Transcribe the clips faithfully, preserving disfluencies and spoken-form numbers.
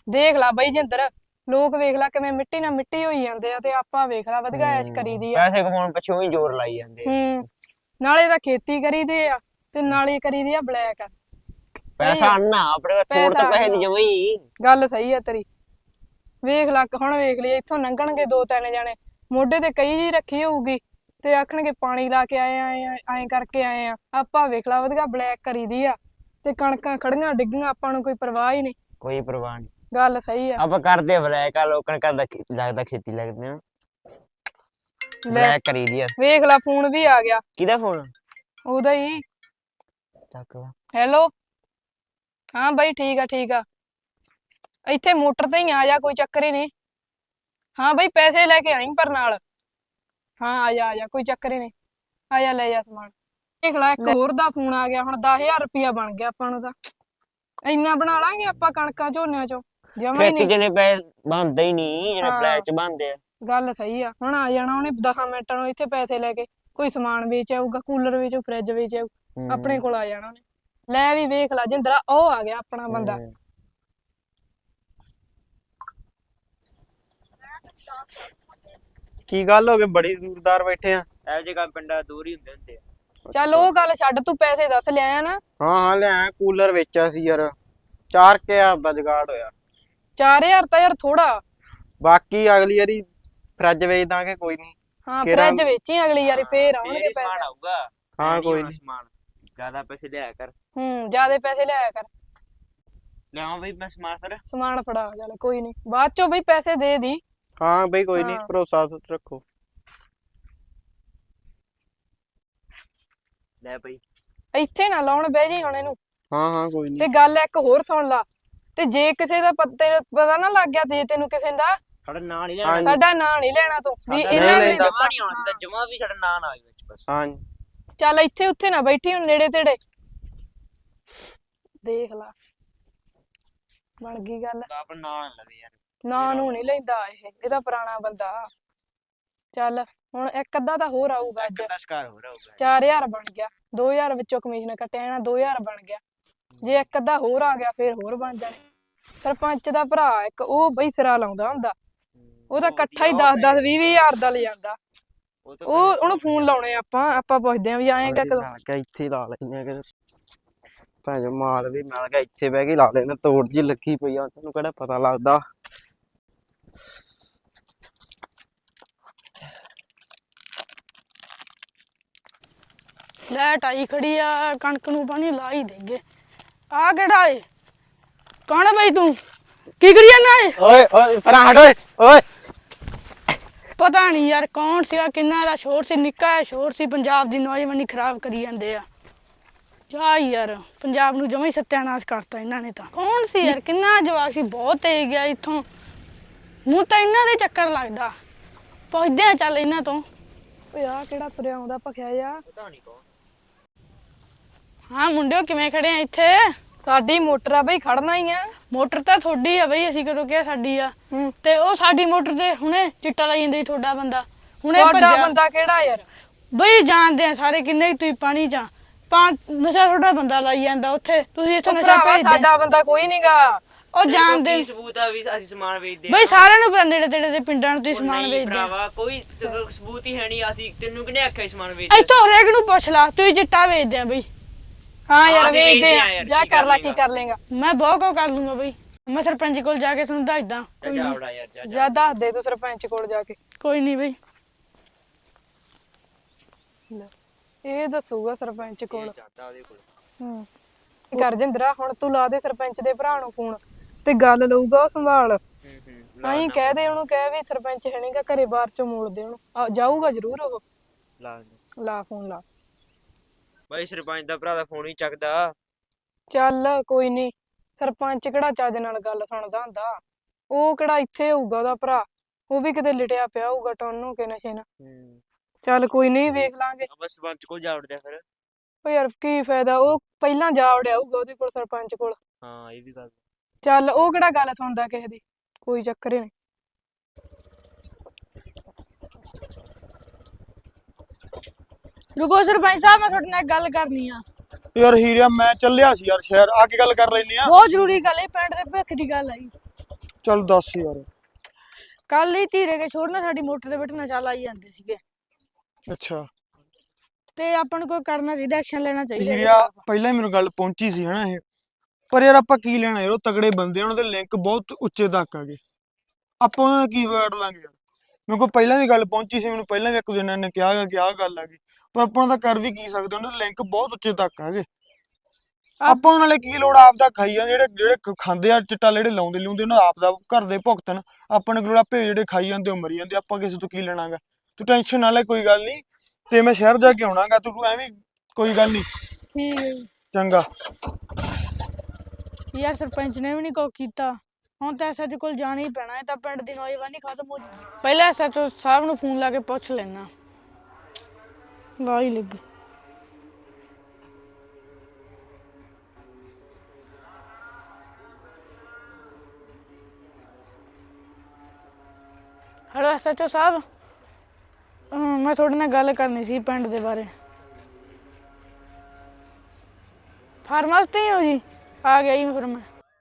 ਦੇਖ ਲਾ ਬਈ ਜਿੰਦਰ, ਲੋਕ ਵੇਖ ਲਾ ਕਿਵੇਂ ਮਿੱਟੀ ਨਾਲ ਮਿੱਟੀ ਹੋਈ ਜਾਂਦੇ ਆ ਤੇ ਆਪਾਂ ਵੇਖ ਲਾ ਵਧੀਆ ਐਸ਼ ਕਰੀਦੀ ਆ। ਪੈਸੇ ਕਮਾਉਣ ਪਿੱਛੋਂ ਹੀ ਜ਼ੋਰ ਲਾਈ ਜਾਂਦੇ ਹੂੰ ਨਾਲੇ ਤਾਂ ਖੇਤੀ ਕਰੀਦੀ ਆ ਤੇ ਨਾਲੇ ਕਰੀਦੀ ਆ ਬਲੈਕ। ਪੈਸਾ ਅੰਨਾ ਆਪਣੇ ਕੋਲ ਥੋੜ ਤਾਂ ਪੈਸੇ ਦੀ ਜਮਾ ਹੀ ਗੱਲ ਸਹੀ ਆ ਤੇਰੀ। ਵੇਖ ਲਾ ਹੁਣ ਵੇਖ ਲਈ ਇੱਥੋਂ ਲੰਘਣਗੇ ਦੋ ਤਿੰਨ ਜਣੇ, ਮੋਢੇ ਤੇ ਕਈ ਜੀ ਰੱਖੀ ਹੋਊਗੀ ਤੇ ਆਖਣਗੇ ਪਾਣੀ ਲਾ ਕੇ ਆਏ ਆਏ ਐਂ ਕਰਕੇ ਆਏ ਆ। ਆਪਾਂ ਵੇਖ ਲਾ ਵਧੀਆ ਬਲੈਕ ਕਰੀਦੀ ਆ ਤੇ ਕਣਕਾਂ ਖੜੀਆਂ ਡਿੱਗੀਆਂ, ਆਪਾਂ ਨੂੰ ਕੋਈ ਪਰਵਾਹ ਹੀ ਨਹੀਂ। ਕੋਈ ਪਰਵਾਹ ਨਹੀਂ। ਗੱਲ ਸਹੀ ਆ। ਆਪਾਂ ਕਰਦੇ ਬਲੈਕ ਆ, ਲੋਕਾਂ ਕਰਦਾ ਲੱਗਦਾ ਖੇਤੀ ਲੱਗਦੇ ਆ ਬਲੈਕ ਕਰੀਦੀ ਆ। ਵੇਖ ਲਾ ਫੋਨ ਵੀ ਆ ਗਿਆ। ਕਿਹਦਾ ਫੋਨ? ਉਹਦਾ ਹੀ। ਚੱਕ ਲਾ। ਹੈਲੋ, ਹਾਂ ਬਾਈ ਠੀਕ ਆ ਠੀਕ ਆ, ਇੱਥੇ ਮੋਟਰ ਤੇ ਹੀ ਆ ਜਾ, ਕੋਈ ਚੱਕਰ ਹੀ ਨਹੀਂ। ਹਾਂ ਬਾਈ ਪੈਸੇ ਲੈ ਕੇ ਆਈ ਪਰ ਨਾਲ। ਹਾਂ ਆ ਜਾ ਆ ਜਾ, ਕੋਈ ਚੱਕਰ ਹੀ ਨਹੀਂ, ਆ ਜਾ ਲੈ ਜਾ ਸਮਾਨ। ਦੇਖ ਲੈ ਇੱਕ ਹੋਰ ਦਾ ਫੋਨ ਆ ਗਿਆ, ਹੁਣ ਦਸ ਹਜ਼ਾਰ ਰੁਪਇਆ ਬਣ ਗਿਆ ਆਪਾਂ ਨੂੰ। ਤਾਂ ਇੰਨਾ ਬਣਾ ਲਾਂਗੇ ਆਪਾਂ ਕਣਕਾਂ ਝੋਨਿਆਂ ਚੋਂ ਜਮਾ ਹੀ ਖੇਤੀ ਨਹੀਂ। ਚ ਨੇ ਪੈਸੇ ਬਣਦੇ ਹੀ ਨਹੀਂ ਜਿਹੜੇ ਬਲੈਕ ਚ ਬਣਦੇ ਆ। ਗੱਲ ਸਹੀ ਆ। ਹੁਣ ਆ ਜਾਣਾ ਉਹਨੇ ਦਸ ਮਿੰਟਾਂ ਨੂੰ ਇੱਥੇ ਪੈਸੇ ਲੈ ਕੇ, ਕੋਈ ਸਮਾਨ ਵੇਚ ਆਊਗਾ, ਕੂਲਰ ਵੇਚੂ, ਫਰਿੱਜ ਵੇਚ ਆਊ, ਆਪਣੇ ਕੋਲ ਆ ਜਾਣਾ ਉਹਨੇ। ਲੈ ਵੀ ਵੇਖ ਲਾ ਜਿੰਦਰਾ, ਉਹ ਆ ਗਿਆ ਆਪਣਾ ਬੰਦਾ। ਕੀ ਗੱਲ ਹੋ ਗਈ, ਬੜੀ ਦੂਰਦਾਰ ਬੈਠੇ ਆ? ਇਹੋ ਜਿਹੇ ਕੰਮ ਪਿੰਡਾਂ ਦੂਰ ਹੀ ਹੁੰਦੇ ਹੁੰਦੇ ਆ। ਚੱਲ ਉਹ ਗੱਲ ਛੱਡ, ਤੂੰ ਪੈਸੇ ਦੱਸ ਲਿਆਇਆ ਨਾ? ਹਾਂ ਹਾਂ ਲਿਆ, ਕੂਲਰ ਵੇਚਿਆ ਸੀ ਯਾਰ, ਚਾਰ ਕੁ ਹਜ਼ਾਰ ਦਾ ਜੁਗਾੜ ਹੋਇਆ। ਚਾਰ ਹਜ਼ਾਰ ਤਾਂ ਯਾਰ ਥੋੜਾ। ਬਾਕੀ ਅਗਲੀ ਵਾਰੀ ਫਰਿੱਜ ਵੇਚ ਦਾਂਗੇ, ਕੋਈ ਨਹੀਂ। ਹਾਂ ਫਰਿੱਜ ਵੇਚੀ ਅਗਲੀ ਵਾਰੀ, ਫੇਰ ਆਉਣਗੇ ਸਮਾਨ ਪੈਸੇ। ਆਊਗਾ। ਹਾਂ ਕੋਈ ਨਹੀਂ। ਸਮਾਨ ਜ਼ਿਆਦਾ ਪੈਸੇ ਲਿਆ ਕਰ। ਹੂੰ ਜਿਆਦੇ ਪੈਸੇ ਲਿਆਇਆ ਕਰ। ਲਿਆਵਾਂ ਬਈ ਮੈਂ ਸਮਾਨ ਫਿਰ। ਸਮਾਨ ਫੜਾ ਚੱਲ, ਕੋਈ ਨਹੀਂ ਬਾਅਦ ਚੋਂ ਬਈ ਪੈਸੇ ਦੇ ਦੀ। ਹਾਂ ਬਈ ਕੋਈ ਨਹੀਂ, ਹਾਂ। ਭਰੋਸਾ ਰੱਖੋ। ਲੈ ਬਈ। ਇੱਥੇ ਨਾ ਲਾਉਣ ਬਹਿ ਜੀ ਹੁਣ ਇਹਨੂੰ। ਹਾਂ ਹਾਂ ਕੋਈ ਤੇ ਨਹੀਂ। ਗੱਲ ਇੱਕ ਹੋਰ ਸੁਣ ਲਾ, ਤੇ ਜੇ ਕਿਸੇ ਦਾ ਪਤਾ ਪਤਾ ਨਾ ਲੱਗ ਗਿਆ, ਜੇ ਤੈਨੂੰ ਕਿਸੇ ਦਾ, ਸਾਡਾ ਨਾਂ ਨਹੀਂ ਹਾਂਜੀ। ਲੈਣਾ। ਸਾਡਾ ਨਾਂ ਨਹੀਂ ਲੈਣਾ ਤੂੰ ਵੀ ਸਾਡਾ ਇਹਨਾਂ ਨਹੀਂ ਨੇ ਲੈਂਦਾ। ਜਮਾ ਨਹੀਂ ਆਉਣਾ ਚਾਹੀਦਾ, ਜਮਾ ਵੀ ਸਾਡਾ ਨਾਂ ਨਾ ਆਵੇ ਵਿੱਚ ਬਸ। ਹਾਂ ਚੱਲ ਇੱਥੇ ਉੱਥੇ ਨਾ ਬੈਠੀ ਹੁਣ, ਨੇੜੇ ਤੇੜੇ ਦੇਖ ਲਾ। ਬਣ ਗਈ ਗੱਲ। ਆਪਣਾ ਨਾਂ ਨਾ ਲਵੇ ਯਾਰ। ਨਾਂ ਨੂੰ ਨਹੀਂ ਲੈਂਦਾ ਇਹ, ਇਹਦਾ ਪੁਰਾਣਾ ਬੰਦਾ। ਚੱਲ ਹੁਣ ਇੱਕ ਅੱਧਾ ਤਾਂ ਹੋਰ ਆਊਗਾ ਅੱਜ। ਕਿੰਨਾ ਸ਼ਿਕਾਰ ਹੋ ਰਿਹਾ ਹੋਊਗਾ। ਚਾਰ ਹਜ਼ਾਰ ਬਣ ਗਿਆ, ਦੋ ਹਜ਼ਾਰ ਵਿੱਚੋਂ ਕਮਿਸ਼ਨ ਕੱਟਿਆ ਜਾਣਾ, ਦੋ ਹਜ਼ਾਰ ਬਣ ਗਿਆ। ਜੇ ਇੱਕ ਅੱਧਾ ਹੋਰ ਆ ਗਿਆ ਫੇਰ ਹੋਰ ਬਣ ਜਾਣੇ। ਸਰਪੰਚ ਦਾ ਭਰਾ ਇੱਕ, ਉਹ ਬਈ ਸਿਰਾ ਲਾਉਂਦਾ ਹੁੰਦਾ, ਉਹ ਤਾਂ ਇਕੱਠਾ ਹੀ ਦਸ ਦਸ ਵੀਹ ਵੀਹ ਹਜ਼ਾਰ ਦਾ ਲੈ ਜਾਂਦਾ। ਉਹ ਉਹਨੂੰ ਫੋਨ ਲਾਉਣੇ ਆਪਾਂ ਆਪਾਂ ਪੁੱਛਦੇ ਆਂ ਵੀ ਆਏਗਾ ਕਦੋਂ। ਕਿ ਇੱਥੇ ਲਾ ਲੈਨੇ ਆ, ਕਿ ਭਾਵੇਂ ਮਾਲ ਵੀ ਮਿਲ ਗਿਆ, ਇੱਥੇ ਬਹਿ ਕੇ ਲਾ ਲੈਨੇ। ਤੋੜ ਜੀ ਲੱਗੀ ਪਈ ਆ, ਤੈਨੂੰ ਕਿਹੜਾ ਪਤਾ ਲੱਗਦਾ। ਲੈਟ ਆਈ ਖੜੀ ਆ, ਕਣਕ ਨੂੰ ਪਾਣੀ ਲਾ ਹੀ ਦੇਗੇ। ਆ ਕਿਹੜਾ ਏ? ਕੌਣ ਆ ਬਈ ਤੂੰ? ਕੀ ਕਰੀ ਜਾਂਦਾ ਏ? ਓਏ ਓਏ ਪਰਾਂ ਹਟ ਓਏ ਓਏ। ਪਤਾ ਨਹੀਂ ਯਾਰ ਕੌਣ ਸੀਗਾ, ਕਿੰਨਾ ਦਾ ਸ਼ੋਰ ਸੀ, ਨਿੱਕਾ ਜਿਹਾ ਸ਼ੋਰ ਸੀ। ਪੰਜਾਬ ਦੀ ਨੌਜਵਾਨੀ ਖਰਾਬ ਕਰੀ ਜਾਂਦੇ ਆ। ਜਾ ਯਾਰ, ਪੰਜਾਬ ਨੂੰ ਜਮਾਂ ਹੀ ਸੱਤਿਆਨਾਸ਼ ਕਰਤਾ ਇਹਨਾਂ ਨੇ ਤਾਂ। ਕੌਣ ਸੀ ਯਾਰ, ਕਿੰਨਾ ਜਵਾਕ ਸੀ, ਬਹੁਤ ਤੇਜ਼ ਗਿਆ ਇੱਥੋਂ। ਮੂੰਹ ਤਾਂ ਇਹਨਾਂ ਦੇ ਚੱਕਰ ਲੱਗਦਾ। ਪੁੱਛਦੇ ਆ ਚੱਲ ਇਹਨਾਂ ਤੋਂ। ਓਏ ਆ ਕਿਹੜਾ ਤੁਰਿਆ ਆਉਂਦਾ ਭਖਿਆ ਜਾ? ਪਤਾ ਨਹੀਂ ਕੌਣ। ਹਾਂ ਮੁੰਡਿਓ, ਕਿਵੇਂ ਖੜੇ ਆ ਇੱਥੇ? ਸਾਡੀ ਮੋਟਰ ਆ ਬਈ, ਖੜਨਾ ਹੀ ਆ। ਮੋਟਰ ਤਾਂ ਤੁਹਾਡੀ ਆ ਬਈ, ਅਸੀਂ ਕਦੋਂ ਕਿਹਾ ਸਾਡੀ ਆ? ਤੇ ਉਹ ਸਾਡੀ ਮੋਟਰ ਤੇ ਹੁਣੇ ਚਿੱਟਾ ਲਾਈ ਜਾਂਦਾ ਤੁਹਾਡਾ ਬੰਦਾ। ਹੁਣੇ ਤੁਹਾਡਾ ਬੰਦਾ ਕਿਹੜਾ ਯਾਰ? ਬਈ ਜਾਣਦੇ ਆ ਸਾਰੇ, ਕਿੰਨੇ ਤੁਸੀਂ ਪਾਣੀ ਚ ਪਾ ਨਸ਼ਾ ਤੁਹਾਡਾ ਬੰਦਾ ਲਾਈ ਜਾਂਦਾ ਉੱਥੇ। ਤੁਸੀਂ ਇੱਥੇ ਨਸ਼ਾ ਭੇਜਦੇ। ਸਾਡਾ ਬੰਦਾ ਕੋਈ ਨਹੀਂਗਾ। ਉਹ ਜਾਣਦੇ। ਕੀ ਸਬੂਤ ਆ ਵੀ ਅਸੀਂ ਸਮਾਨ ਵੇਚਦੇ ਆ? ਬਈ ਸਾਰਿਆਂ ਨੂੰ ਪਤਾ, ਨੇੜੇ ਤੇੜੇ ਦੇ ਪਿੰਡਾਂ ਨੂੰ ਤੁਸੀਂ ਸਮਾਨ ਵੇਚਦੇ ਆ। ਭਰਾਵਾ ਕੋਈ ਸਬੂਤ ਹੀ ਹੈ ਨਹੀਂ। ਅਸੀਂ ਤੈਨੂੰ ਕਿਹਨੇ ਆਖਿਆ ਸਮਾਨ ਵੇਚ? ਇੱਥੋਂ ਹਰੇਕ ਨੂੰ ਪੁੱਛ ਲਾ, ਤੁਸੀਂ ਚਿੱਟਾ ਵੇਚਦੇ ਆ ਬਈ। ਹਾਂ ਯਾਰ ਵੇਚਦੇ ਆ, ਜਾ ਕਰ ਲਾ, ਕੀ ਕਰ ਲੇਗਾ? ਮੈਂ ਬਹੁਤ ਕੁਝ ਕਰ ਲੂੰਗਾ ਬਈ। ਮੈਂ ਸਰਪੰਚ ਕੋਲ ਜਾ ਕੇ ਤੁਹਾਨੂੰ ਦੱਸਦਾ। ਜਾਵੜਾ ਯਾਰ ਜਾ। ਜਾ ਦੱਸ ਦੇ ਤੂੰ ਸਰਪੰਚ ਕੋਲ ਜਾ ਕੇ। ਕੋਈ ਨਹੀਂ ਬਈ, ਇਹ ਦੱਸੂਗਾ ਸਰਪੰਚ ਕੋਲ। ਜਾਂਦਾ ਉਹਦੇ ਕੋਲ। ਹੂੰ ਕਰ ਜਿੰਦਰਾ, ਹੁਣ ਤੂੰ ਲਾ ਦੇ ਸਰਪੰਚ ਦੇ ਭਰਾ ਨੂੰ ਫੋਨ ਤੇ ਗੱਲ ਲਊਗਾ ਉਹ ਸੰਭਾਲ। ਹੂੰ ਹੂੰ ਆਹੀਂ ਕਹਿ ਦੇ ਉਹਨੂੰ, ਕਹਿ ਵੀ ਸਰਪੰਚ ਹੈ ਨਹੀਂਗਾ ਘਰੇ, ਬਾਹਰ ਚੋਂ ਮੋੜ ਦੇ ਉਹਨੂੰ। ਜਾਊਗਾ ਜ਼ਰੂਰ ਉਹ। ਲਾ ਲਾ ਫੋਨ ਲਾ। ਬਾਈ ਸਰਪੰਚ ਦਾ ਭਰਾ ਦਾ ਫੋਨ ਹੀ ਚੱਕਦਾ। ਚੱਲ ਕੋਈ ਨਹੀਂ, ਸਰਪੰਚ ਕਿਹੜਾ ਚੱਜ ਨਾਲ ਗੱਲ ਸੁਣਦਾ ਹੁੰਦਾ? ਉਹ ਕਿਹੜਾ ਇੱਥੇ ਹੋਊਗਾ ਉਹਦਾ ਭਰਾ? ਉਹ ਵੀ ਕਿਤੇ ਲਿਟਿਆ ਪਿਆ ਹੋਊਗਾ ਟੌਨ ਹੋ ਕੇ ਨਸ਼ੇ ਨਾਲ। ਹੂੰ ਚੱਲ ਕੋਈ ਨਹੀਂ, ਵੇਖ ਲਾਂਗੇ। ਬਸ ਸਰਪੰਚ ਕੋਲ ਜਾ ਵੜਦੇ ਫਿਰ। ਓ ਯਾਰ ਕੀ ਫਾਇਦਾ, ਉਹ ਪਹਿਲਾਂ ਜਾ ਵੜਿਆ ਹੋਊਗਾ ਉਹਦੇ ਕੋਲ, ਸਰਪੰਚ ਕੋਲ। ਹਾਂ ਇਹ ਵੀ ਗੱਲ। ਚੱਲ ਉਹ ਕਿਹੜਾ ਗੱਲ ਸੁਣਦਾ ਕਿਸੇ ਦੀ, ਕੋਈ ਚੱਕਰ ਹੀ ਨਹੀਂ। ਰੁਕੋ ਸਰਪੰਚ ਸਾਹਿਬ, ਮੈਂ ਤੁਹਾਡੇ ਨਾਲ ਗੱਲ ਕਰਨੀ ਆ। ਯਾਰ ਹੀਰਿਆ, ਮੈਂ ਚੱਲਿਆ ਸੀ ਯਾਰ ਸ਼ਹਿਰ, ਆ ਕੇ ਗੱਲ ਕਰ ਲੈਨੇ ਆ। ਬਹੁਤ ਜ਼ਰੂਰੀ ਗੱਲ ਹੈ, ਪਿੰਡ ਦੇ ਭਵਿੱਖ ਦੀ ਗੱਲ ਹੈ। ਚੱਲ ਦੱਸ ਯਾਰ। ਕੱਲ ਹੀ ਧੀਰੇ ਕੇ ਛੋੜ ਨਾ ਸਾਡੀ ਮੋਟਰ ਦੇ ਵਿੱਚ ਨਸ਼ਾ ਲਾਈ ਜਾਂਦੇ ਸੀਗੇ ਅੱਛਾ ਤੇ ਆਪਾਂ ਨੂੰ ਕੋਈ ਕਰਨਾ ਚਾਹੀਦਾ, ਐਕਸ਼ਨ ਲੈਣਾ ਚਾਹੀਦਾ ਇਹਦੇ ਹੀਰਿਆ ਖਿਲਾਫ਼। ਪਹਿਲਾਂ ਹੀ ਮੈਨੂੰ ਗੱਲ ਪਹੁੰਚੀ ਸੀ ਹਨਾ ਇਹ, ਪਰ ਯਾਰ ਆਪਾਂ ਕੀ ਲੈਣਾ ਯਾਰ, ਉਹ ਤਗੜੇ ਬੰਦੇ ਆ, ਉਹਨਾਂ ਦੇ ਲਿੰਕ ਬਹੁਤ ਉੱਚੇ ਤੱਕ ਆ ਗਏ, ਆਪਾਂ ਉਹਨਾਂ ਦਾ ਕੀ ਵਿਗਾੜ ਲਾਂਗੇ ਯਾਰ। ਮੇਰੇ ਕੋਲ ਪਹਿਲਾਂ ਵੀ ਗੱਲ ਪਹੁੰਚੀ ਸੀ, ਮੈਨੂੰ ਪਹਿਲਾਂ ਵੀ ਇੱਕ ਦਿਨ ਨੇ ਕਿਹਾ ਗਾ ਕਿ ਆਹ ਗੱਲ ਆ ਗਈ, ਪਰ ਆਪਾਂ ਉਹਨਾਂ ਦਾ ਕਰ ਵੀ ਕੀ ਸਕਦੇ, ਉਹਨਾਂ ਦੇ ਲਿੰਕ ਬਹੁਤ ਉੱਚੇ ਤੱਕ ਆ ਗਏ। ਆਪਾਂ ਉਹਨਾਂ ਨਾਲੇ ਕੀ ਲੋੜ, ਆਪ ਦਾ ਖਾਈ ਜਾਂਦੇ, ਜਿਹੜੇ ਜਿਹੜੇ ਖ- ਖਾਂਦੇ ਆ ਚਿੱਟਾ, ਜਿਹੜੇ ਲਾਉਂਦੇ ਲੂੰਦੇ ਉਹਨਾਂ ਦਾ ਆਪ ਦਾ ਘਰ ਦੇ ਭੁਗਤਣ, ਆਪਾਂ ਨੂੰ ਕੀ ਲੋੜ, ਆਪੇ ਜਿਹੜੇ ਖਾਈ ਜਾਂਦੇ ਉਹ ਮਰੀ ਜਾਂਦੇ, ਆਪਾਂ ਕਿਸੇ ਤੋਂ ਕੀ ਲੈਣਾਗਾ। ਤੂੰ ਟੈਨਸ਼ਨ ਨਾ ਲੈ, ਕੋਈ ਗੱਲ ਨਹੀਂ, ਤੇ ਮੈਂ ਸ਼ਹਿਰ ਜਾ ਕੇ ਆਉਣਾਗਾ, ਤੂੰ ਐਵੇਂ ਕੋਈ ਗੱਲ ਨਹੀਂ। ਠੀਕ ਹੈ ਜੀ। ਚੰਗਾ। ਯਾਰ ਸਰਪੰਚ ਨੇ ਵੀ ਨਹੀਂ ਕੁਛ ਕੀਤਾ, ਹੁਣ ਤਾਂ ਐਸਐਚਓ ਕੋਲ ਜਾਣਾ ਹੀ ਪੈਣਾ, ਇਹ ਤਾਂ ਪਿੰਡ ਦੀ ਨੌਜਵਾਨੀ ਖਤਮ ਹੋ ਜੂਗੀ। ਪਹਿਲਾਂ ਐਸਐਚਓ ਸਾਹਿਬ ਨੂੰ ਫੋਨ ਲਾ ਕੇ ਪੁੱਛ ਲੈਣਾ, ਲਾ ਹੀ ਲੱਗੇ। ਹੈਲੋ ਐਸਐਚਓ ਸਾਹਿਬ, ਅਮ, ਮੈਂ ਤੁਹਾਡੇ ਨਾਲ ਗੱਲ ਕਰਨੀ ਸੀ ਪਿੰਡ ਦੇ ਬਾਰੇ। ਫਾਰਮ ਹਾਊਸ ਤੇ ਹੀ ਹੋ ਜੀ? ਆ ਗਿਆ ਜੀ ਫਿਰ ਮੈਂ।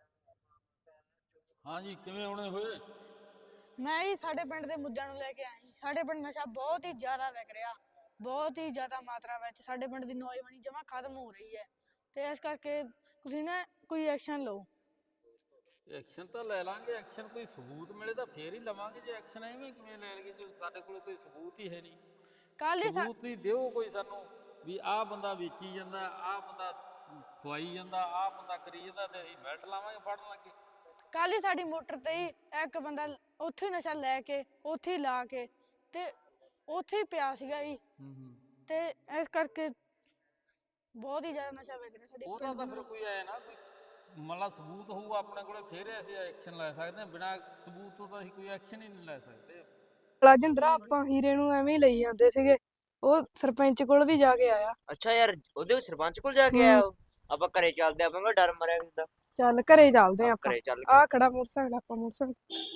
ਹਾਂ ਜੀ, ਕਿਵੇਂ ਆਉਣੇ ਹੋਏ? ਮੈਂ ਜੀ ਸਾਡੇ ਪਿੰਡ ਦੇ ਮੁੱਦਿਆਂ ਨੂੰ ਲੈ ਕੇ ਆਇਆ ਜੀ। ਸਾਡੇ ਪਿੰਡ ਨਸ਼ਾ ਬਹੁਤ ਹੀ ਜ਼ਿਆਦਾ ਵਿਕ ਰਿਹਾ, ਬਹੁਤ ਹੀ ਜ਼ਿਆਦਾ ਮਾਤਰਾ ਵਿੱਚ। ਸਾਡੇ ਪਿੰਡ ਦੀ ਨੌਜਵਾਨੀ ਜਮਾਂ ਖਤਮ ਹੋ ਰਹੀ ਹੈ, ਤੇ ਇਸ ਕਰਕੇ ਤੁਸੀਂ ਨਾ ਕੋਈ ਐਕਸ਼ਨ ਲਓ। ਐਕਸ਼ਨ ਤਾਂ ਲੈ ਲਾਂਗੇ, ਐਕਸ਼ਨ ਕੋਈ ਸਬੂਤ ਮਿਲੇ ਤਾਂ ਫੇਰ ਹੀ ਲਵਾਂਗੇ, ਜੇ ਐਕਸ਼ਨ ਐਵੇਂ ਕਿਵੇਂ ਲੈ ਲਈਏ ਜੇ ਸਾਡੇ ਕੋਲ ਕੋਈ ਸਬੂਤ ਹੀ ਹੈ ਨਹੀਂ। ਕੱਲ ਹੀ ਸਾ- ਸਬੂਤ ਹੀ ਦਿਓ ਕੋਈ ਸਾਨੂੰ, ਵੀ ਆਹ ਬੰਦਾ ਵੇਚੀ ਜਾਂਦਾ, ਆਹ ਬੰਦਾ ਖਵਾਈ ਜਾਂਦਾ, ਆਹ ਬੰਦਾ ਕਰੀ ਜਾਂਦਾ, ਤੇ ਅਸੀਂ ਮਿਲਟ ਲਾਵਾਂਗੇ ਫੜਨ ਲੱਗੇ। ਕੱਲ ਹੀ ਸਾਡੀ ਮੋਟਰ ਤੇ ਹੀ ਇੱਕ ਬੰਦਾ ਉੱਥੇ ਹੀ ਨਸ਼ਾ ਲੈ ਕੇ, ਉੱਥੇ ਹੀ ਲਾ ਕੇ, ਤੇ ਉੱਥੇ ਹੀ ਪਿਆ ਸੀਗਾ ਜੀ, ਹੂੰ ਹੂੰ ਤੇ ਇਸ ਕਰਕੇ ਬਹੁਤ ਹੀ ਜ਼ਿਆਦਾ ਨਸ਼ਾ ਵਿਕ ਰਿਹਾ ਸਾਡੇ ਉਹਦਾ ਪਿੰਡ ਤਾਂ ਦੇ ਫਿਰ ਨਾਲ। ਕੋਈ ਆਏ ਨਾ, ਕੋਈ ਮਤਲਬ ਸਬੂਤ ਹੋਊ ਆਪਣੇ ਕੋਲੇ, ਫੇਰ ਅਸੀਂ ਐਕਸ਼ਨ ਲੈ ਸਕਦੇ ਹਾਂ। ਬਿਨਾਂ ਸਬੂਤ ਤੋਂ ਤਾਂ ਅਸੀਂ ਕੋਈ ਐਕਸ਼ਨ ਹੀ ਨਹੀਂ ਲੈ ਸਕਦੇ। ਰਾਜਿੰਦਰਾ ਆਪਾਂ ਹੀਰੇ ਨੂੰ ਐਵੇਂ ਹੀ ਲਈ ਜਾਂਦੇ ਸੀਗੇ, ਉਹ ਸਰਪੰਚ ਕੋਲ ਵੀ ਜਾ ਕੇ ਆਇਆ। ਅੱਛਾ ਯਾਰ, ਉਹਦੇ ਸਰਪੰਚ ਕੋਲ ਜਾ ਕੇ ਆਇਆ ਉਹ? ਆਪਾਂ ਘਰੇ ਚੱਲਦੇ, ਆਪਾਂ ਨੂੰ ਡਰ ਮਰਿਆ ਹੁੰਦਾ। ਚੱਲ ਘਰੇ ਚੱਲਦੇ ਆਂ ਆਪਾਂ। ਘਰੇ ਚੱਲ ਆਹ ਖੜਾ ਮੋਟਰਸਾਈਕਲ, ਆਪਾਂ ਮੋਟਰਸਾਈਕਲ।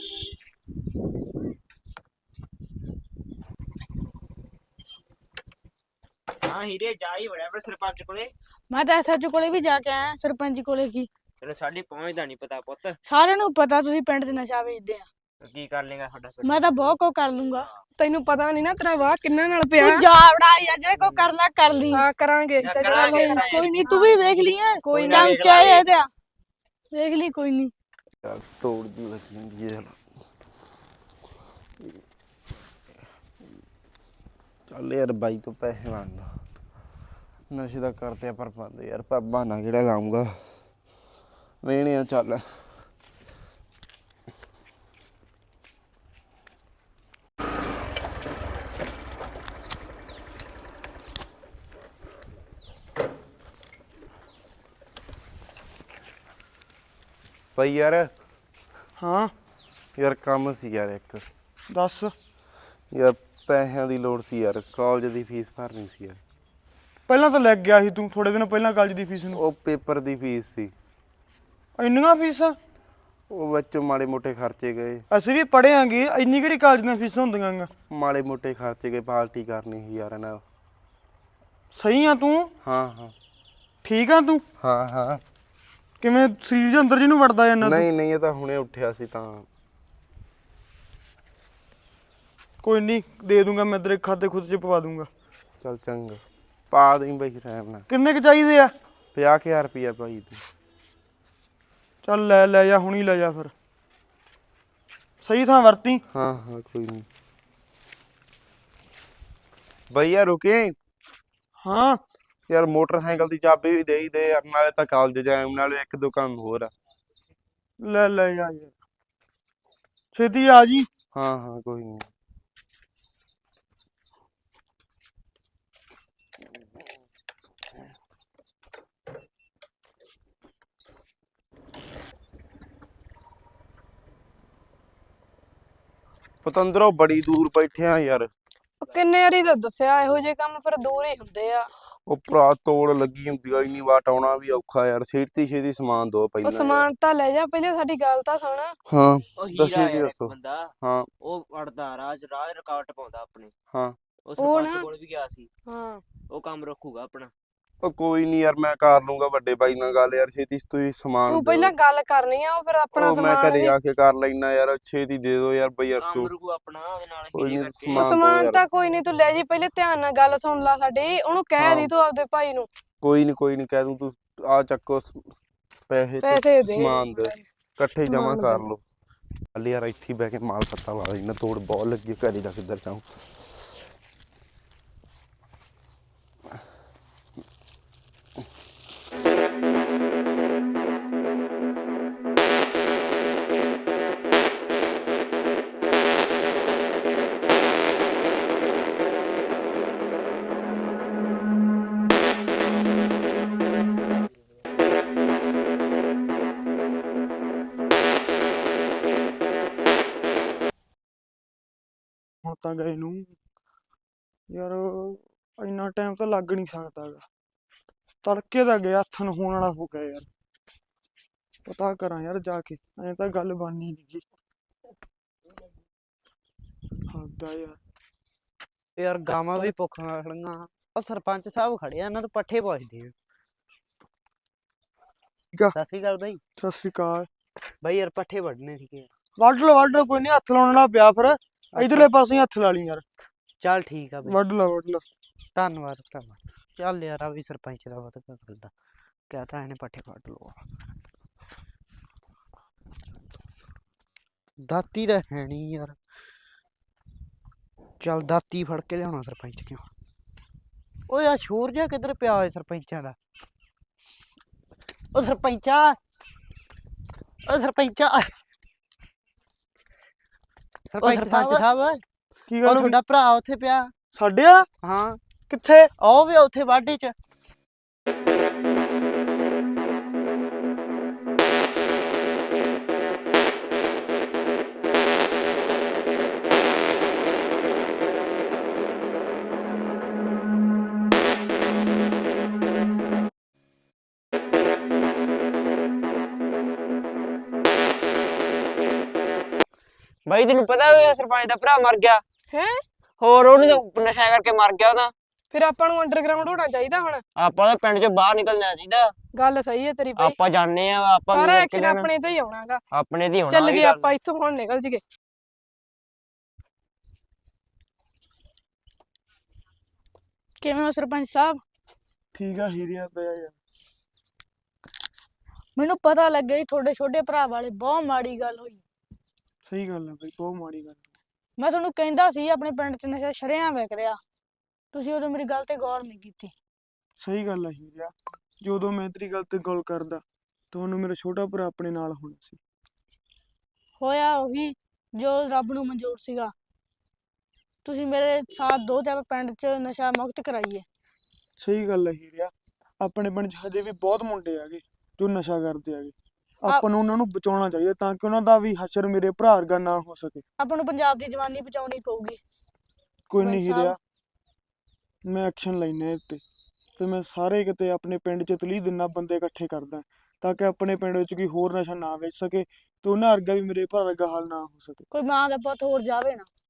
ਹਾਂ ਹੀਰੇ, ਜਾ ਹੀ ਵੜਿਆ ਫਿਰ ਸਰਪੰਚ ਕੋਲੇ। ਮੈਂ ਤਾਂ ਐਸਐਚਓ ਕੋਲੇ ਵੀ ਜਾ ਕੇ ਆਇਆ, ਸਰਪੰਚ ਕੋਲੇ ਕੀ। ਤੈਨੂੰ ਸਾਡੀ ਪਹੁੰਚ ਦਾ ਨਹੀਂ ਪਤਾ ਪੁੱਤ, ਸਾਰਿਆਂ ਨੂੰ ਪਤਾ ਤੁਸੀਂ ਪਿੰਡ 'ਚ ਨਸ਼ਾ ਵੇਚਦੇ ਆ। ਕੀ ਕਰ ਲੇਗਾ ਸਾਡਾ ਫਿਰ? ਮੈਂ ਤਾਂ ਬਹੁਤ ਕੁਝ ਕਰ ਲੂੰਗਾ। ਤੈਨੂੰ ਪਤਾ ਨਹੀਂ ਨਾ ਤੇਰਾ ਵਾਹ ਕਿੰਨਾਂ ਨਾਲ ਪਿਆ। ਤੂੰ ਜਾ ਵੜਾ ਯਾਰ, ਜਿਹੜੇ ਕੋ ਕਰਨਾ ਕਰ ਲਈ। ਹਾਂ ਕਰਾਂਗੇ। ਯਾਰ ਤੇ ਚੱਲ ਕਰਾਂਗੇ। ਕੋਈ- ਕੋਈ ਨਹੀਂ, ਤੂੰ ਵੀ ਵੇਖ ਲਈ ਹੈ, ਕੋਈ ਨਾ ਵੇਖ ਚਮਚਾ ਲਾਂਗੇ। ਇਹਦੇ ਆ, ਵੇਖ ਲਈ ਕੋਈ ਨਹੀਂ। ਯਾਰ ਤੋੜ ਦੀ ਲੱਗੀ ਹੁੰਦੀ ਹੈ। ਚੱਲ ਯਾਰ ਬਾਈ ਤੋਂ ਪੈਸੇ ਮੰਗਦਾ, ਨਸ਼ੇ ਦਾ ਕਰਦੇ ਆ ਪਰ ਬੰਦ ਯਾਰ, ਪਰ ਬਹਾਨਾ ਕਿਹੜਾ ਲਾਉਂਗਾ, ਵੇਣੇ ਆ ਚੱਲ। ਭਾਈ ਯਾਰ, ਹਾਂ ਯਾਰ ਕੰਮ ਸੀ ਯਾਰ ਇੱਕ। ਦੱਸ। ਯਾਰ ਪੈਸਿਆਂ ਦੀ ਲੋੜ ਸੀ ਯਾਰ, ਕਾਲਜ ਦੀ ਫੀਸ ਭਰਨੀ ਸੀ ਯਾਰ। ਪਹਿਲਾਂ ਤਾਂ ਲੈ ਗਿਆ ਸੀ ਤੂੰ ਥੋੜੇ ਦਿਨ ਪਹਿਲਾਂ ਕਾਲਜ ਦੀ ਫੀਸ ਨੂੰ। ਉਹ ਪੇਪਰ ਦੀ ਫੀਸ ਸੀ, ਇੰਨੀਆਂ ਫੀਸਾਂ? ਉਹ ਵਿੱਚੋਂ ਮਾੜੇ ਮੋਟੇ ਖਰਚੇ ਗਏ। ਅਸੀਂ ਵੀ ਪੜ੍ਹੇ ਆਂਗੇ, ਇੰਨੀ ਕਿਹੜੀ ਕਾਲਜ ਦੀਆਂ ਫੀਸਾਂ ਹੁੰਦੀਆਂ ਗਾ। ਮਾੜੇ ਮੋਟੇ ਖਰਚੇ ਗਏ, ਪਾਰਟੀ ਕਰਨੀ ਸੀ ਯਾਰ ਇਹਨਾਂ। ਸਹੀ ਆ ਤੂੰ? ਹਾਂ ਹਾਂ ਠੀਕ ਆ ਤੂੰ? ਹਾਂ ਹਾਂ। ਕਿਵੇਂ ਸਰੀਰ ਦੇ ਅੰਦਰ ਜਿਹਨੂੰ ਵੜਦਾ ਜਾਂਦਾ ਤੂੰ? ਨਹੀਂ ਨਹੀਂ, ਇਹ ਤਾਂ ਹੁਣੇ ਉੱਠਿਆ ਸੀ ਤਾਂ। ਕੋਈ ਨਹੀਂ, ਦੇ ਦੂੰਗਾ ਮੈਂ ਤੇਰੇ ਖਾਤੇ ਖੁਦ ਚ ਪਵਾ ਦੂੰਗਾ। ਚੱਲ ਚੰਗਾ, ਪਾ ਦੇਈਂ ਬਈ ਰਹਿਮ ਨਾਲ। ਕਿੰਨੇ ਕੁ ਚਾਹੀਦੇ ਆ? ਪੰਜਾਹ ਕੁ ਹਜ਼ਾਰ ਰੁਪਈਆ ਭਾਈ ਤੂੰ। ਚੱਲ ਲੈ ਲੈ ਜਾ, ਹੁਣੀ ਲੈ ਜਾ ਫਿਰ, ਸਹੀ ਥਾਂ ਵਰਤੀ। ਹਾਂ ਹਾਂ ਕੋਈ ਨਹੀਂ। ਭਈਆ ਰੁਕੇ। ਹਾਂ ਯਾਰ ਮੋਟਰਸਾਈਕਲ ਦੀ ਚਾਬੀ ਵੀ ਦੇ ਹੀ ਦੇ ਯਾਰ, ਨਾਲੇ ਤਾਂ ਕਾਲਜ ਜਾਇਆ, ਨਾਲੇ ਇੱਕ ਦੋ ਕੰਮ ਹੋਰ ਆ। ਲੈ ਲੈ ਜਾ ਯਾਰ, ਛੇਤੀ ਆ ਜੀ। ਹਾਂ ਹਾਂ ਕੋਈ ਨਹੀਂ। ਪਤੰਦਰੋਂ ਬੜੀ ਦੂਰ ਬੈਠੇ ਆ ਯਾਰ। ਉਹ ਕਿੰਨੇ ਵਾਰੀ ਤਾਂ ਦੱਸਿਆ, ਇਹੋ ਜਿਹੇ ਕੰਮ ਫਿਰ ਦੂਰ ਹੀ ਹੁੰਦੇ ਆ। ਉਹ ਭਰਾ ਤੋੜ ਲੱਗੀ ਹੁੰਦੀ ਆ, ਇੰਨੀ ਵਾਟ ਆਉਣਾ ਵੀ ਔਖਾ ਯਾਰ। ਛੇਤੀ ਛੇਤੀ ਸਮਾਨ ਦੋ ਉਹ ਪਹਿਲਾਂ ਯਾਰ। ਸਮਾਨ ਤਾਂ ਲੈ ਜਾ, ਪਹਿਲੇ ਸਾਡੀ ਗੱਲ ਤਾਂ ਸੁਣ। ਹਾਂ ਉਹ ਦੱਸੀ ਹੀਰਾ ਦੀ ਯਾਰ, ਇੱਕ ਦੱਸੋ। ਬੰਦਾ ਹਾਂ ਉਹ ਵੜਦਾ ਰਾਜ ਰਾਜ ਰੁਕਾਵਟ ਪਾਉਂਦਾ ਆਪਣੇ। ਹਾਂ ਉਹ ਉਹ ਸਰਪੰਚ ਨਾ- ਕੋਲ ਵੀ ਗਿਆ ਸੀ, ਹਾਂ ਉਹ ਕੰਮ ਰੱਖੂਗਾ ਆਪਣਾ। ਉਹ ਕੋਈ ਨਹੀਂ ਯਾਰ, ਮੈਂ ਕਰ ਲੂੰਗਾ ਵੱਡੇ ਬਾਈ ਨਾਲ ਗੱਲ ਯਾਰ, ਛੇਤੀ ਤੁਸੀਂ ਸਮਾਨ ਤੂੰ ਦਿਓ। ਪਹਿਲਾਂ ਗੱਲ ਕਰਨੀ ਆ ਉਹ ਫਿਰ ਆਪਣਾ ਉਹ ਮੈਂ ਸਮਾਨ ਘਰੇ ਵੀ ਆ ਕੇ ਕਰ ਲੈਣਾ ਯਾਰ, ਛੇਤੀ ਦੇ ਦਿਓ ਯਾਰ ਬਈ ਯਾਰ ਕੰਮ ਤੂੰ। ਰੁਕੂ ਆਪਣਾ ਉਹਦੇ ਨਾਲ ਕੋਈ ਹੀਰੇ ਨੀ, ਕਰਕੇ ਉਹ ਸਮਾਨ ਦਿਓ ਸਮਾਨ ਯਾਰ। ਤਾਂ ਕੋਈ ਨਹੀਂ, ਤੂੰ ਲੈ ਜੀ, ਪਹਿਲੇ ਧਿਆਨ ਨਾਲ ਗੱਲ ਸੁਣ ਲੈ ਸਾਡੀ, ਉਹਨੂੰ ਕਹਿ ਹਾਂ। ਦੀ ਤੂੰ ਆਪਦੇ ਭਾਈ ਨੂੰ ਕੋਈ ਨਹੀਂ ਕੋਈ ਨਹੀਂ ਕਹਿ ਦੂੰ, ਤੂੰ ਆ ਚੱਕੋ ਸ- ਪੈਸੇ ਤੇ ਪੈਸੇ ਦੇ ਸਮਾਨ ਦੇ ਇਕੱਠੇ ਜਮਾ ਸਮਾਨ ਕਰ ਦੇ। ਲਓ। ਚੱਲ ਯਾਰ ਇੱਥੇ ਹੀ ਬਹਿ ਕੇ ਮਾਲ ਪੱਤਾ ਲਾ ਲੈਣਾ, ਤੋੜ ਬਹੁਤ ਲੱਗੀ, ਘਰੇ ਦਾ ਕਿੱਧਰ ਜਾਊਂ। ਹੁਣ ਤਾਂ ਗਏ ਨੂੰ ਯਾਰ ਇੰਨਾ ਟਾਈਮ ਤਾਂ ਲੱਗ ਨਹੀਂ ਸਕਦਾ ਗਾ। ਤੜਕੇ ਦਾ ਗਿਆ, ਹੱਥ ਨੂੰ ਹੋਣ ਵਾਲਾ ਹੋ ਗਿਆ ਯਾਰ। ਪਤਾ ਕਰਾਂ ਯਾਰ ਜਾ ਕੇ, ਐਂ ਤਾਂ ਗੱਲ ਬਣਨੀ ਨੀ ਗੀ। ਹੱਦਾ ਯਾਰ। ਯਾਰ ਗਾਵਾਂ ਵੀ ਭੁੱਖੀਆਂ ਖੜੀਆਂ। ਉਹ ਸਰਪੰਚ ਸਾਹਿਬ ਖੜੇ ਆ, ਇਹਨਾਂ ਤੋਂ ਪੱਠੇ ਪੁੱਛਦੇ ਆ। ਠੀਕ ਆ। ਸਤਿ ਸ਼੍ਰੀ ਅਕਾਲ ਬਾਈ। ਸਤਿ ਸ੍ਰੀ ਅਕਾਲ। ਬਾਈ ਯਾਰ ਪੱਠੇ ਵੱਢਣੇ ਸੀਗੇ। ਵੱਢ ਲਓ ਵੱਢ ਲਓ, ਕੋਈ ਨਹੀਂ, ਹੱਥ ਲਾਉਣ ਵਾਲਾ ਪਿਆ ਫਿਰ ਇਧਰਲੇ ਪਾਸੇ ਹੀ ਹੱਥ ਲਾ ਲਈ ਯਾਰ। ਚੱਲ ਠੀਕ ਆ ਬਾਈ, ਵੱਢ ਲਾ ਵੱਢ ਲਾ। ਧੰਨਵਾਦ ਭਰਾਵਾ। ਚੱਲ ਯਾਰ ਆ ਵੀ ਸਰਪੰਚ ਦਾ ਵਧ ਕਰਦਾ, ਕਹਤਾ ਇਹਨੇ ਪੱਠੇ ਵੱਢ ਲਓ। ਦਾਤੀ ਦਾ ਹੈ ਨਹੀਂ ਯਾਰ। ਚੱਲ ਦਾਤੀ ਫੜ ਕੇ ਲਿਆਉਣਾ ਸਰਪੰਚ ਕਿਉਂ। ਓਏ ਆ ਸ਼ੋਰ ਜਿਹਾ ਕਿੱਧਰ ਪਿਆ ਹੋਇਆ ਸਰਪੰਚਾਂ ਦਾ। ਓ ਸਰਪੰਚਾ, ਓ ਸਰਪੰਚਾ, ਓ ਸਰਪੰਚ ਸਾਹਿਬ, ਕੀ ਉਹ ਗੱਲ ਹੋ ਗਈ? ਤੁਹਾਡਾ ਭਰਾ ਉੱਥੇ ਪਿਆ। ਸਾਡੇ ਆ ਹਾਂ ਕਿੱਥੇ? ਉਹ ਵੀ ਉੱਥੇ ਵਾਢੇ 'ਚ। ਬਾਈ ਤੈਨੂੰ ਪਤਾ ਹੋਇਆ ਸਰਪੰਚ ਦਾ ਭਰਾ ਮਰ ਗਿਆ? ਹੈ ਹੋਰ ਉਹਨੇ ਤਾਂ ਨਸ਼ਾ ਕਰਕੇ ਮਰ ਗਿਆ ਉਹਦਾ। ਫਿਰ ਆਪਾਂ ਨੂੰ ਅੰਡਰਗਰਾਉਂਡ ਹੋਣਾ ਚਾਹੀਦਾ ਹੁਣ। ਆਪਾਂ ਤਾਂ ਪਿੰਡ ਚੋਂ ਬਾਹਰ ਨਿਕਲਣਾ ਚਾਹੀਦਾ। ਗੱਲ ਸਹੀ ਹੈ ਤੇਰੀ ਬਾਈ, ਆਪਾਂ ਜਾਣੇ ਆ, ਆਪਾਂ ਸਾਰਾ ਨੂੰ ਐਕਸ਼ਨ ਲੈਣਾ। ਆਪਣੇ ਤੇ ਹੀ ਆਉਣਾਗਾ। ਆਪਣੇ ਦੀ ਹੋਣਾ ਚੱਲ ਉਹੀ ਗਏ ਗੱਲ। ਆਪਾਂ ਇੱਥੋਂ, ਹੁਣ ਨਿਕਲ ਜੀਏ। ਕਿਵੇਂ ਹੋ ਸਰਪੰਚ ਸਾਹਿਬ? ਠੀਕ ਆ, ਹੀਰਿਆ ਪਿਆ ਯਾਰ। ਮੈਨੂੰ ਪਤਾ ਲੱਗਿਆ ਜੀ ਤੁਹਾਡੇ ਛੋਟੇ ਭਰਾ ਵਾਲੇ ਬਹੁਤ ਮਾੜੀ ਗੱਲ ਹੋਈ। ਸਹੀ ਗੱਲ ਆ ਬਈ, ਬਹੁਤ ਮਾੜੀ ਗੱਲ। ਮੈਂ ਤੁਹਾਨੂੰ ਕਹਿੰਦਾ ਸੀ ਆਪਣੇ ਪਿੰਡ 'ਚ ਨਸ਼ਾ ਸ਼ਰੇਆਮ ਵਿਕ ਰਿਹਾ, ਤੁਸੀਂ ਉਦੋਂ ਮੇਰੀ ਗੱਲ ਤੇ ਗੌਰ ਨਹੀਂ ਕੀਤੀ। ਸਹੀ ਗੱਲ ਆ ਹੀਰਿਆ, ਜਦੋਂ ਮੈਂ ਤੇਰੀ ਗੱਲ ਤੇ ਗੱਲ ਕਰਦਾ ਤੁਹਾਨੂੰ ਮੇਰਾ ਛੋਟਾ ਭਰਾ ਆਪਣੇ ਨਾਲ ਹੋਣਾ ਸੀ। ਹੋਇਆ ਉਹੀ ਜੋ ਰੱਬ ਨੂੰ ਮਨਜ਼ੂਰ ਸੀਗਾ। ਤੁਸੀਂ ਮੇਰੇ ਸਾਥ ਦੋ ਤੇ ਆਪਾਂ ਪਿੰਡ 'ਚ ਨਸ਼ਾ ਮੁਕਤ ਕਰਾਈਏ। ਸਹੀ ਗੱਲ ਆ ਹੀਰਿਆ, ਆਪਣੇ ਪਿੰਡ 'ਚ ਹਜੇ ਵੀ ਬਹੁਤ ਮੁੰਡੇ ਹੈਗੇ ਜੋ ਨਸ਼ਾ ਕਰਦੇ ਹੈਗੇ। ਆਪਾਂ ਨੂੰ ਉਹਨਾਂ ਨੂੰ ਬਚਾਉਣਾ ਚਾਹੀਦਾ ਤਾਂ ਕਿ ਉਹਨਾਂ ਦਾ ਵੀ ਹਸ਼ਰ ਮੇਰੇ ਭਰਾ ਵਰਗਾ ਨਾ ਹੋ ਸਕੇ। ਆਪਾਂ ਨੂੰ ਪੰਜਾਬ ਦੀ ਜਵਾਨੀ ਬਚਾਉਣੀ ਪਊਗੀ। ਕੋਈ ਨਹੀਂ ਸਰਪੰਚ ਸਾਹਿਬ। ਹੀਰਿਆ, ਮੈਂ ਐਕਸ਼ਨ ਲੈਣਾ ਇਹ ਤੇ ਤੇ ਮੈਂ ਸਾਰੇ ਕਿਤੇ ਆਪਣੇ ਪਿੰਡ 'ਚ ਤਲੀਹ ਦਿਨਾਂ ਬੰਦੇ ਇਕੱਠੇ ਕਰਦਾ ਤਾਂ ਕਿ ਆਪਣੇ ਪਿੰਡ ਵਿੱਚ ਕੋਈ ਹੋਰ ਨਸ਼ਾ ਨਾ ਵੇਚ ਸਕੇ ਤੇ ਉਹਨਾਂ ਵਰਗਾ ਵੀ ਮੇਰੇ ਭਰਾ ਵਰਗਾ ਹਾਲ ਨਾ ਹੋ ਸਕੇ। ਕੋਈ ਮਾਂ ਦਾ ਪੁੱਤ ਹੋਰ ਜਾਵੇ ਨਾ।